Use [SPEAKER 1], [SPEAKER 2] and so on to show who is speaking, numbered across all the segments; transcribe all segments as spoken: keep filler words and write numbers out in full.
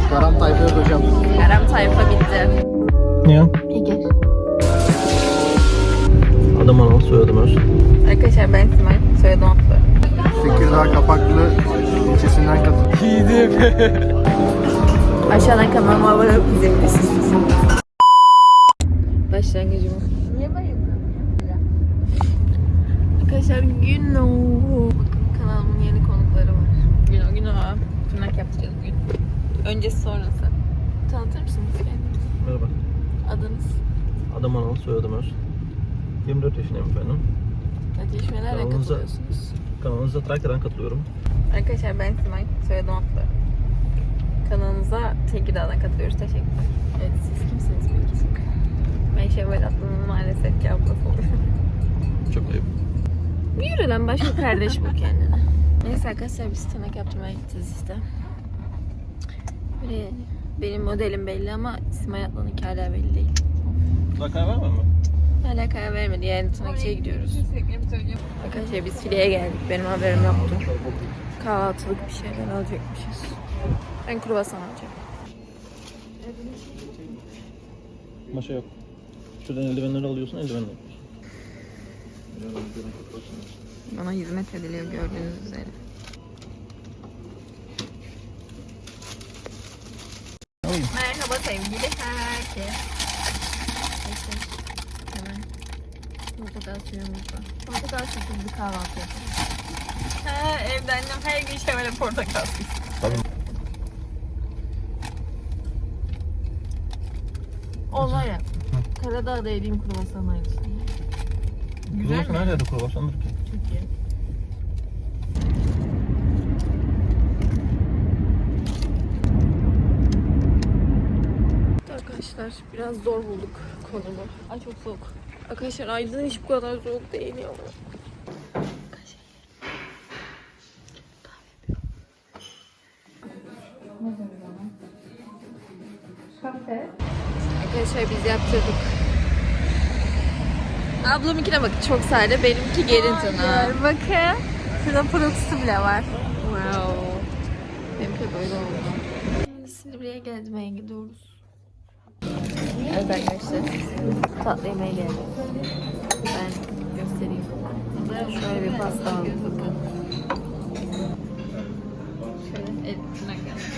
[SPEAKER 1] Karam tayfa yok hocam.
[SPEAKER 2] Karam tayfa bitti.
[SPEAKER 1] Niye?
[SPEAKER 2] Ege.
[SPEAKER 1] Adım Anıl, soyadım Öz.
[SPEAKER 2] Arkadaşlar ben Simay, soyadım Atlı.
[SPEAKER 1] Tekirdağ Kapaklı ilçesinden katıldım. İyiydi.
[SPEAKER 2] Aşağıdan kanalıma abone olup izleyebilirsiniz. Başlangıcımız. Niye bayıldın? Arkadaşlar gün o. Bakın kanalımın yeni konukları var. Gün o gün o. Tırnak yapacağız bugün. Öncesi sonrası. Tanıtır mısınız kendinizi?
[SPEAKER 1] Merhaba.
[SPEAKER 2] Adınız?
[SPEAKER 1] Adım Anıl, soyadım Öz. yirmi dört yaşındayım efendim.
[SPEAKER 2] Ateşmelerle
[SPEAKER 1] Kanalımıza-
[SPEAKER 2] katılıyorsunuz.
[SPEAKER 1] Kanalınıza Trakya'dan katılıyorum.
[SPEAKER 2] Arkadaşlar ben Simay, soyadım Atlı. Kanalımıza Tekirdağ'dan katılıyoruz. Teşekkürler. Evet, siz kimsiniz peki? Ben Şevval Atlı'nın maalesef ki ablası oluyorum.
[SPEAKER 1] Çok ayıp.
[SPEAKER 2] Yürü lan, başka kardeş bul kendine. Neyse arkadaşlar biz tırnak yaptırmaya gideceğiz işte. Böyle benim modelim belli ama Simay Atlı'nınki hala belli değil.
[SPEAKER 1] Daha karar vermem mi?
[SPEAKER 2] Hala karar vermedi, yani tırnakçıya gidiyoruz. Arkadaşlar biz fileye geldik, benim haberim yoktu. Kahvaltılık bir şeyler alacakmışız. Ben kruvasan alacağım.
[SPEAKER 1] Maşa yok. Şuradan eldivenleri alıyorsun, eldivenle yapıyorsun.
[SPEAKER 2] Bana hizmet ediliyor gördüğünüz üzere. Merhaba sevgili herkes. Neyse, hemen portakal suyumuz var. Portakal suyumuz bir kahvaltı yapalım. Ha, evde annem her gün şöyle portakal suyu.
[SPEAKER 1] Tabii.
[SPEAKER 2] Olay ya. Karadağ'da yediğim kruvasan aynısı. Güzel
[SPEAKER 1] Kruvasan
[SPEAKER 2] mi?
[SPEAKER 1] her yerde kruvasandır ki.
[SPEAKER 2] Çok iyi. Arkadaşlar biraz zor bulduk konumu. Ay çok soğuk. Arkadaşlar Aydın hiç bu kadar soğuk değil ya. Arkadaşlar biz yaptırdık. Ablamınkine bak, çok sade, benimki gelin tırnağı. Bakın. Şurada pırıltısı bile var. Wow. Benimki böyle oldu. Şimdi Silivri'ye gezmeye gidiyoruz. Evet arkadaşlar. Tatlı yemeğe geldik. Ben göstereyim. Şöyle bir pasta aldık, bakın. Şöyle et tırnak yaptık.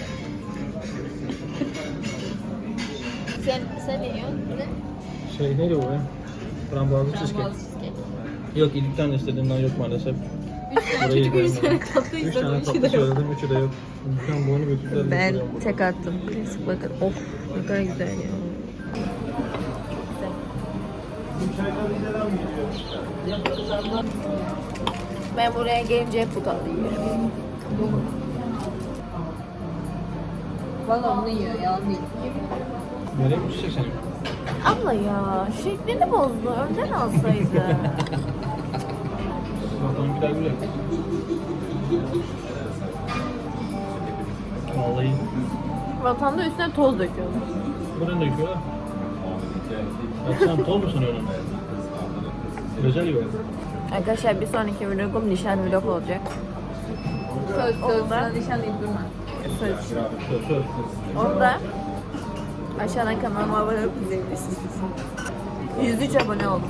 [SPEAKER 2] Sen, sen ne yiyorsun? Ne?
[SPEAKER 1] Şey neydi o ya? Frambuazlı cheesecake.
[SPEAKER 2] Frambuazlı cheesecake.
[SPEAKER 1] Yok, ilk tane istediğimden yok maalesef. Burayı
[SPEAKER 2] Çocuk üç tane tatlı
[SPEAKER 1] Üç
[SPEAKER 2] istedim,
[SPEAKER 1] tane
[SPEAKER 2] üçü
[SPEAKER 1] tatlı
[SPEAKER 2] de yok.
[SPEAKER 1] söyledim, üçü de yok. Ben bunu götürdüler.
[SPEAKER 2] Ben
[SPEAKER 1] götürüyorum.
[SPEAKER 2] tek attım. Klasik bakın. Of ne kadar güzel ya. Ben buraya gelince hep bu tatlı yiyorum. Valla bunu yiyor, yalan değil.
[SPEAKER 1] Nereye mi düşecek seni?
[SPEAKER 2] Abla ya, şeklini bozdu. Önden alsaydı.
[SPEAKER 1] Zaten bir daha güzel. Vallahi.
[SPEAKER 2] Vatanda üstüne toz döküyorlar.
[SPEAKER 1] Buradan da yıkıyorlar. Ya sen toz mu sanıyorsun? Özel yok.
[SPEAKER 2] Arkadaşlar bir sonraki vlogum nişan vlog olacak. Söz söz. Onda nişan deyip durma. Söz.
[SPEAKER 1] Söz söz.
[SPEAKER 2] Onda aşağıdan kanalıma abone olup izleyebilirsiniz. yüz üç abone oldum.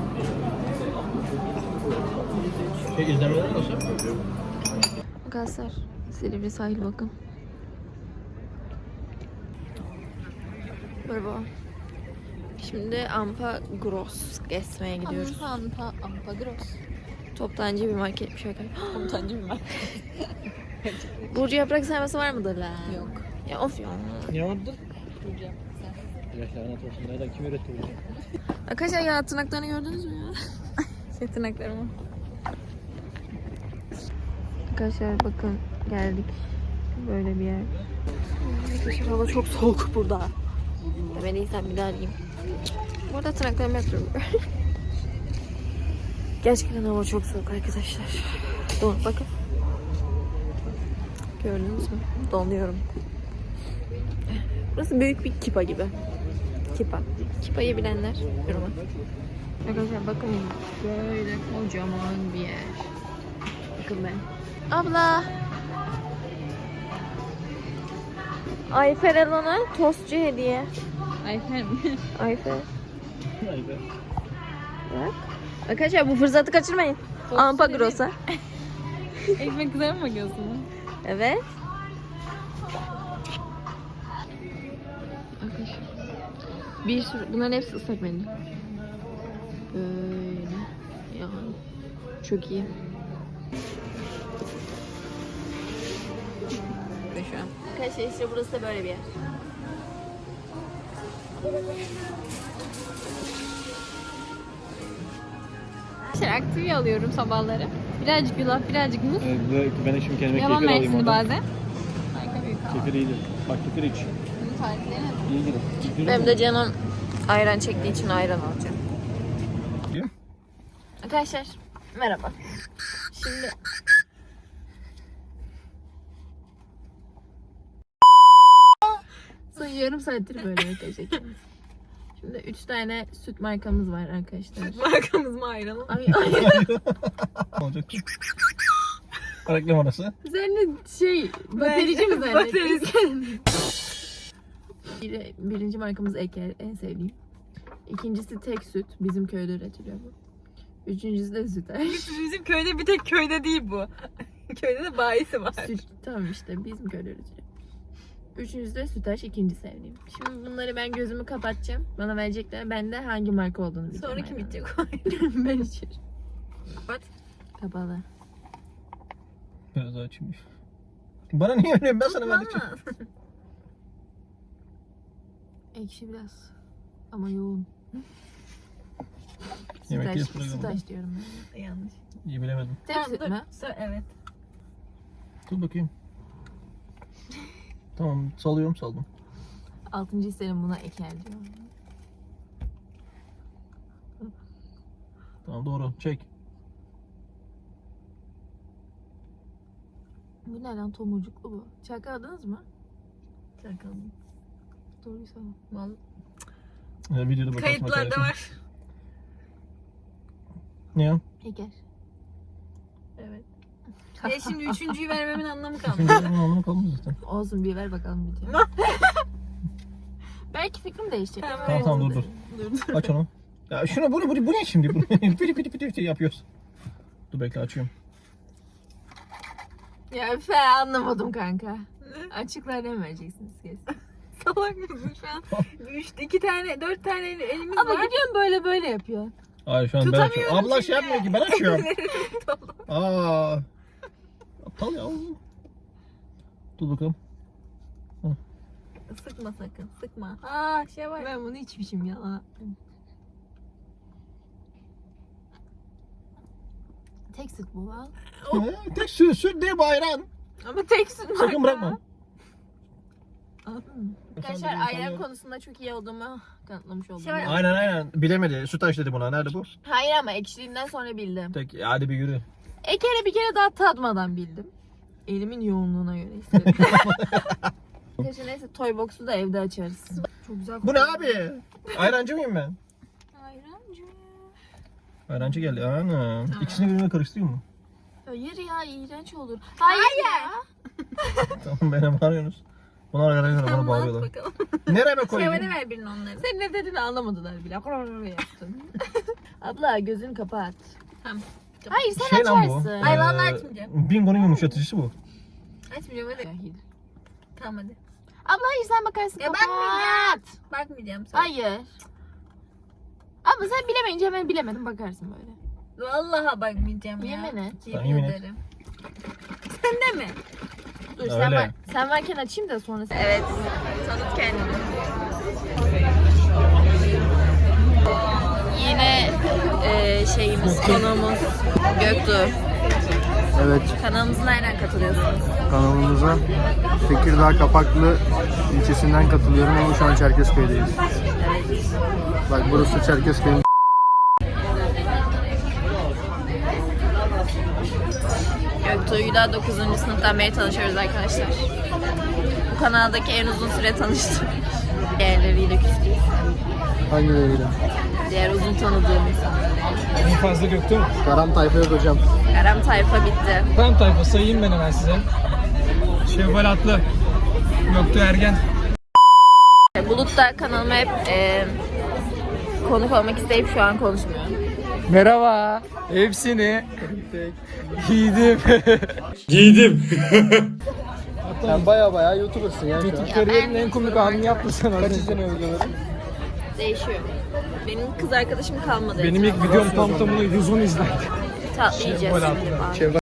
[SPEAKER 1] Şey, izlemeler nasıl?
[SPEAKER 2] Arkadaşlar Silivri sahil bakın. Merhaba. Şimdi Ampa Gross gezmeye gidiyoruz.
[SPEAKER 3] Ampa, ampa, ampa gross.
[SPEAKER 2] Toptancı bir marketmiş arkadaşlar.
[SPEAKER 3] Komutanca bir marka.
[SPEAKER 2] Burcu yaprak sarması var mıdır la?
[SPEAKER 3] Yok.
[SPEAKER 2] Ya of ya.
[SPEAKER 1] Ne vardı?
[SPEAKER 3] Burcu yaprak sen.
[SPEAKER 1] Ya lanet olsun. Nereden kim üretti bunu?
[SPEAKER 2] Arkadaşlar ya tırnaklarını gördünüz mü ya? Şey tırnaklarımı. Arkadaşlar bakın geldik. Böyle bir yer. Arkadaşlar hava çok soğuk burada. Demediysem bir daha arayayım. Bu arada tırnaklarımı yapıyorum. Gerçekten hava çok soğuk arkadaşlar. Don, bakın. Gördünüz mü? Donuyorum. Burası büyük bir kipa gibi. Kipa. Kipayı bilenler yoruma. Arkadaşlar bakın böyle kocaman bir yer. Bakın ben. Abla. Ayfer Elon'a tostçu hediye.
[SPEAKER 3] Ayfer mi?
[SPEAKER 2] Ayfer.
[SPEAKER 1] Vay be.
[SPEAKER 2] Bak. Arkadaşlar bu fırsatı kaçırmayın. Ampa Gross'a.
[SPEAKER 3] Ekmek kızarı mı bakıyorsun?
[SPEAKER 2] Evet.
[SPEAKER 3] Arkadaşlar. Bir sürü, bunların hepsi ıslak mendil. Böyle. Yani. Çok iyi. Ve şu an.
[SPEAKER 2] Arkadaşlar işte burası da böyle bir yer.
[SPEAKER 3] Arkadaşlar aktivya alıyorum sabahları. Birazcık yulaf, birazcık muz.
[SPEAKER 1] Evet, ben de şimdi kendime
[SPEAKER 3] Yaban
[SPEAKER 1] kefir alayım
[SPEAKER 3] mersini
[SPEAKER 1] oradan.
[SPEAKER 3] bazen. Harika bir kahvaltı.
[SPEAKER 1] Kefir iyidir. Bak kefir iç.
[SPEAKER 3] Bunun tarifleri ne?
[SPEAKER 1] İyi gider. Kefir
[SPEAKER 2] Benim
[SPEAKER 1] mi?
[SPEAKER 2] de canım ayran çektiği için ayran alacağım.
[SPEAKER 1] Değil mi?
[SPEAKER 2] Arkadaşlar merhaba. Şimdi son yarım saattir böyle arkadaşlar. Şimdi üç tane süt markamız var arkadaşlar.
[SPEAKER 3] Markamız mı ayranı?
[SPEAKER 2] Ay, ay.
[SPEAKER 1] Olacak. Reklam arası.
[SPEAKER 2] Üzerine şey baterici mi zannettin? Bir, birinci markamız Eker, en sevdiğim. İkincisi tek süt, bizim köyde üretiliyor bu. Üçüncüsü de Sütaş.
[SPEAKER 3] Bizim köyde bir tek köyde değil bu. Köyde de bayisi var.
[SPEAKER 2] Süt, tamam işte bizim köyde üretiliyor. Üçüncüsü de Sütaş, ikinci sevdiğim. Şimdi bunları ben gözümü kapatacağım. Bana verecekler. Ben de hangi marka olduğunu bileceğim.
[SPEAKER 3] Sonra kim
[SPEAKER 2] aynen.
[SPEAKER 3] içecek o?
[SPEAKER 2] Ben içerim.
[SPEAKER 3] Kapat.
[SPEAKER 2] Kapalı.
[SPEAKER 1] Biraz daha açayım. Bana niye öyle? Ben sana verdikçe.
[SPEAKER 2] Ekşi biraz. Ama yoğun.
[SPEAKER 1] Yemek
[SPEAKER 2] Sütaş,
[SPEAKER 1] yiyiz programda.
[SPEAKER 2] Sütaş diyorum ben.
[SPEAKER 3] Yanlış.
[SPEAKER 1] İyi bilemedim.
[SPEAKER 2] Tek süt mü?
[SPEAKER 3] Evet.
[SPEAKER 1] Dur bakayım. Tamam salıyorum saldım.
[SPEAKER 2] Altıncı hisserim buna Eker diyor.
[SPEAKER 1] Tamam doğru çek.
[SPEAKER 2] Bu ne lan, tomurcuklu bu. Çakaladınız mı?
[SPEAKER 3] Çakalım.
[SPEAKER 2] Doğruysa.
[SPEAKER 3] Vallahi.
[SPEAKER 1] Ee, videoda bakarsın.
[SPEAKER 3] Kayıtlarda
[SPEAKER 1] bakarsın.
[SPEAKER 3] var.
[SPEAKER 1] Ne ya?
[SPEAKER 2] Eker.
[SPEAKER 3] Evet. E şimdi üçüncüyü vermemin anlamı kalmadı.
[SPEAKER 1] Şimdi onun anlamı kalmadı zaten.
[SPEAKER 2] Olsun, bir ver bakalım bir diyor. Belki fikrim değişecek.
[SPEAKER 3] Tamam,
[SPEAKER 1] Tamam tamam dur dur.
[SPEAKER 3] Dur dur.
[SPEAKER 1] Aç onu. Ya şunu bunu bunu bu ne şimdi? Bunu piti piti piti piti yapıyoruz. Dur bekle açıyorum.
[SPEAKER 2] Ya fe anlamadım kanka. Açıklar ne vereceksiniz kesin.
[SPEAKER 3] Salak mısın şu an? Üç, iki tane, dört tane elimiz
[SPEAKER 2] Ama
[SPEAKER 3] var.
[SPEAKER 2] gidiyorum böyle böyle yapıyor.
[SPEAKER 1] Hayır şu an ben
[SPEAKER 3] Tutamıyorum
[SPEAKER 1] açıyorum. Abla şey
[SPEAKER 3] şimdi.
[SPEAKER 1] yapmıyor ki ben açıyorum. Aa. Aptal ya. Dur bakalım.
[SPEAKER 3] Sıkma sakın, sıkma.
[SPEAKER 2] Aa şey var. Ben bunu içmişim ya. Tek süt bu al.
[SPEAKER 1] Ee, Tek süt süt değil bu ayran.
[SPEAKER 2] Ama tek süt marka.
[SPEAKER 1] Sakın bırakma.
[SPEAKER 2] Arkadaşlar ayran konusunda çok iyi olduğumu kanıtlamış oldum.
[SPEAKER 3] Şey var-
[SPEAKER 1] Aynen aynen. Bilemedi. Sütaş dedi buna. Nerede bu?
[SPEAKER 2] Hayır ama ekşiliğinden sonra bildim.
[SPEAKER 1] Tek hadi bir yürü.
[SPEAKER 2] Eker'e bir kere daha tatmadan bildim. Elimin yoğunluğuna göre istedim. Arkadaşlar neyse toy box'u da evde açarız. Çok güzel.
[SPEAKER 1] Bu ne abi? Ayrancı mıyım ben?
[SPEAKER 2] Ayrancı.
[SPEAKER 1] Ayrancı geldi. Ana. İkisini birbirine karıştırıyor mu?
[SPEAKER 2] Hayır ya, iğrenç olur. Hayır, ya.
[SPEAKER 1] Tamam bana bağırıyorsunuz. Bunlar arkadaşlar bana bağırıyorlar.
[SPEAKER 3] Bakalım.
[SPEAKER 1] Nereye
[SPEAKER 3] Şevval'e
[SPEAKER 1] koyayım?
[SPEAKER 3] ver birini onları.
[SPEAKER 2] Sen ne dediğini anlamadılar bile. Yaptın. Abla gözünü kapat.
[SPEAKER 3] Tamam.
[SPEAKER 2] Hayır sen
[SPEAKER 1] Şey lan bu.
[SPEAKER 2] açarsın.
[SPEAKER 3] Ay, vallahi
[SPEAKER 1] eee,
[SPEAKER 3] açmayacağım.
[SPEAKER 1] Bingo'nun yumuşatıcısı bu.
[SPEAKER 3] Açmayacağım hadi.
[SPEAKER 2] Cahil.
[SPEAKER 3] Tamam hadi.
[SPEAKER 2] Abla hayır sen bakarsın,
[SPEAKER 3] Ya
[SPEAKER 2] kapat.
[SPEAKER 3] bakmayacağım. Bakmayacağım sana.
[SPEAKER 2] Hayır. Ama sen bilemeyince hemen bilemedim, bakarsın böyle.
[SPEAKER 3] Vallahi bakmayacağım ya.
[SPEAKER 2] Yemin et.
[SPEAKER 3] Yemin
[SPEAKER 1] Yemin et.
[SPEAKER 3] ederim. Sen de mi?
[SPEAKER 2] Dur
[SPEAKER 1] Öyle.
[SPEAKER 2] sen, var, sen varken açayım da sonra. Evet. Tanıt kendini. Yine e, şeyimiz, konuğumuz Göktuğ.
[SPEAKER 4] Evet,
[SPEAKER 2] Kanalımıza nereden katılıyorsunuz?
[SPEAKER 4] kanalımıza Tekirdağ Kapaklı ilçesinden katılıyorum ama şu an Çerkezköy'deyiz. Bak burası Çerkezköy'ün.
[SPEAKER 2] Göktuğ'yla dokuzuncu sınıftan beri tanışıyoruz arkadaşlar. Bu kanaldaki en uzun süre tanıştım. Diğerleriyle küstük.
[SPEAKER 4] Hangileriyle?
[SPEAKER 2] Diğer uzun tanıdığım insan.
[SPEAKER 5] En fazla Göktuğ mu?
[SPEAKER 4] Karam Tayfa yok hocam.
[SPEAKER 2] Karam tayfa bitti.
[SPEAKER 5] Tam tayfa sayayım ben hemen size. Şevval Atlı, Göktuğ Ergen,
[SPEAKER 2] YouTube'da kanalıma hep e, konuk olmak isteyip şu an konuşmuyorum.
[SPEAKER 5] Merhaba. Hepsini giydim.
[SPEAKER 1] Giydim.
[SPEAKER 4] Sen baya baya YouTuber'sın ya şu an.
[SPEAKER 5] Kariyerin en komik anını yaptın sen az
[SPEAKER 4] Kaç
[SPEAKER 5] önce.
[SPEAKER 4] izleniyor videoları?
[SPEAKER 2] Değişiyor. Benim kız arkadaşım kalmadı.
[SPEAKER 5] Benim ilk videom tam tamına yüz on izlendi.
[SPEAKER 2] tatlı yiyeceğiz
[SPEAKER 5] Şevval
[SPEAKER 2] şimdi.
[SPEAKER 5] abla.
[SPEAKER 2] bari.
[SPEAKER 4] Şevval